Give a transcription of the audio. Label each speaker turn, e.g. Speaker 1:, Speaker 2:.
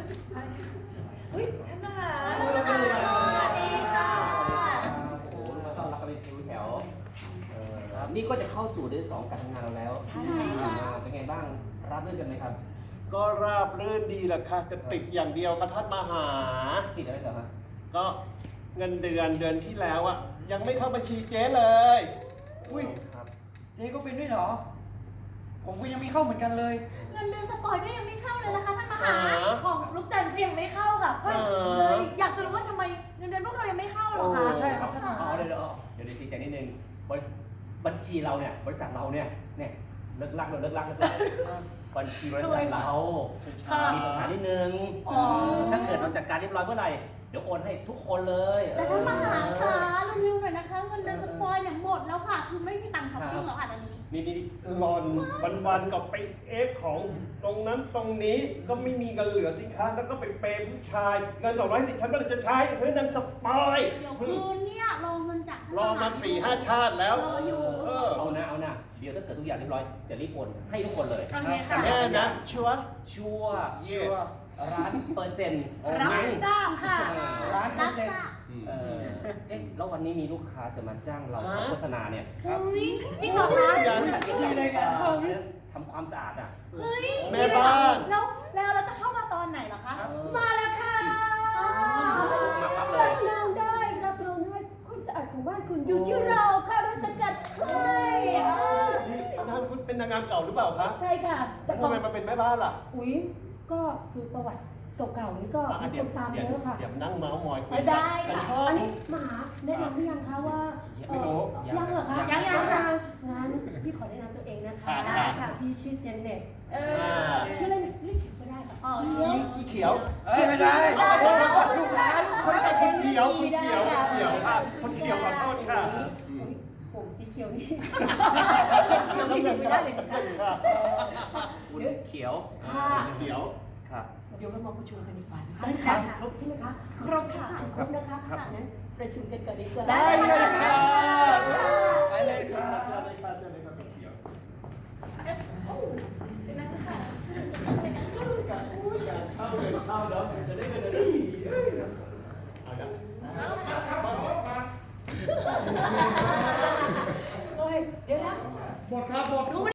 Speaker 1: อุ้ยท่านนะคะ
Speaker 2: สวัสดีค่ะ
Speaker 3: โอ้โหมาต้อนรับกันเป็นคิวแถวนี่ก็จะเข้าสู่เดือน2การทำงานเราแล้ว
Speaker 2: ใช่ค่ะ
Speaker 3: เป็นไงบ้างรับรื่นกันไหมครับ
Speaker 4: ก็ราบรื่นดีแหละค่ะแต่ติดอย่างเดียวค่ะท่านมาหา
Speaker 3: ติดอะไรเหรอฮะ
Speaker 4: ก็เงินเดือนที่แล้วอะยังไม่เข้าบัญชีเจ๊เลย
Speaker 5: อุ้ย
Speaker 3: ครับ
Speaker 5: เจ๊ก็เป็นด้วยเหรอ ผมก็ยังไม่เข้าเหมือนกันเลย
Speaker 2: เงินเดือนสปอยก็ยังไม่เข้าเลยนะคะท่านมหา
Speaker 1: ของลูกจันทร์ก็ยังไม่เข้าค่ะก็เลยอยากจะรู้ว่าทำไมเงินเดือนพวกเรายังไม่เข้าหรอคะ
Speaker 5: ใช่ครับท่านมหา
Speaker 3: เดี๋ยวชี้แจงนิดนึงบัญชีเราเนี่ยบริษัทเราเนี่ยเลิกลักบัญชีบริษัทเรามีปัญหานิดนึงถ้าเกิดเราจัดการเรียบร้อยเมื่อไหร่เดี๋ยวโอนให้ทุกคนเลย
Speaker 2: แต่ท่านมหาคะเร็วๆหน่อยนะคะเงินเดือนสปอยเนี่ยหมดแล้วค่ะ คือไม่มีตังค์ช้อปปิ้งแล้วค่ะตอนนี้
Speaker 4: นี่หลอนวันๆก็ไปเอฟของตรงนั้นตรงนี้ก็ไม่มีเงินเหลือสิคะแล้วก็ไปเปย์ผู้ชายเงิน210ฉันก็เลยจะใช้เพื่อนำสปอย
Speaker 2: เดี๋ยวคืนเนี่ยรอเงินจาก
Speaker 4: รอมา4-5 ชาติแล้ว
Speaker 2: รออยู่
Speaker 3: เอานะเดี๋ยวถ้าเกิดทุกอย่างเรียบร้อยจะรีบโอนให้ทุกคนเลย
Speaker 1: โอเคค่ะ
Speaker 4: แน่นะชัวร์
Speaker 3: ชัวร์
Speaker 4: Yes
Speaker 3: 1,000,000%โอ
Speaker 1: รับ
Speaker 3: เค
Speaker 1: ทราบค่ะ
Speaker 2: รับค่ะ
Speaker 3: แล้ววันนี้มีลูกค้าจะมาจ้างเราทำโฆษณาเนี่ย
Speaker 1: อุ้ยจริงเหรอคะ
Speaker 4: ยัง
Speaker 3: บริษัทเกี่ยวกับ
Speaker 1: เลยกันค่ะ
Speaker 3: ทำความสะอาดอ่ะ
Speaker 1: เฮ้ย
Speaker 4: แม่บ้าน
Speaker 1: แล้วเราจะเข้ามาตอนไหนเหรอคะ มาแล้วค่ะ
Speaker 3: มาปั๊บเลย
Speaker 1: เราได้รับรองว่าความสะอาดของบ้านคุณอยู่ที่เราค่ะเราจะจัดให้
Speaker 4: นางคุณเป็นนางงามเก่าหรือเปล่าคะ
Speaker 1: ใช่ค่ะจะ
Speaker 4: ทำไมมาเป็นแม่บ้านล่ะ
Speaker 1: อุ๊ยก็คือประวัติเก่าๆนี่ก็มีคนตามเยอะค่ะ
Speaker 4: เดี๋ยวนั่งเมาส์มอยคุย
Speaker 1: ได้
Speaker 4: ฉัน
Speaker 1: ค่ะ
Speaker 4: ชอบ
Speaker 1: อันนี้มหาแนะนำหรือยังคะว่า
Speaker 4: ไม่รู้
Speaker 1: ยังเหรอคะ
Speaker 3: ยัง
Speaker 1: ค่ะงั้นพี่ขอแนะนำตัวเองนะคะ
Speaker 4: ค่ะ
Speaker 1: พี่ชื่อเจนเน็ต
Speaker 4: า
Speaker 1: ชื่อเล่นเรียกเขียวก็ได้ค่ะ
Speaker 4: อีเขียว
Speaker 5: เอ้ยไม่ได้ลูกหลาน
Speaker 4: คนเขียวค่ะคนเขียวขอโทษค่ะ
Speaker 1: ผมสีเขียวนี่เขียวนี่ไม่ได้เลยนะคะ
Speaker 3: คุณเขียว
Speaker 1: ค่ะ
Speaker 4: เขียว
Speaker 3: ครับ
Speaker 1: เดี๋ยวเรามาประชุมกันดีกว่านะคะ
Speaker 4: ได้ค่ะ
Speaker 1: ครบใช่ไหมคะครบค่ะครบนะคะงั้นประชุมกันก่อนดีกว่า
Speaker 4: ได้เลยค่ะ
Speaker 5: ไปเลยค
Speaker 4: เชิ
Speaker 5: รั
Speaker 4: ญ
Speaker 5: บ
Speaker 4: เลยค่ะเชิญเลยค่ะคนเขียวเข้าเลยเข้าเดี๋ยวจะได้เงินได้ดีเอาละ
Speaker 1: โอ้ยเดี๋ยวนะ
Speaker 4: หมดครับหมด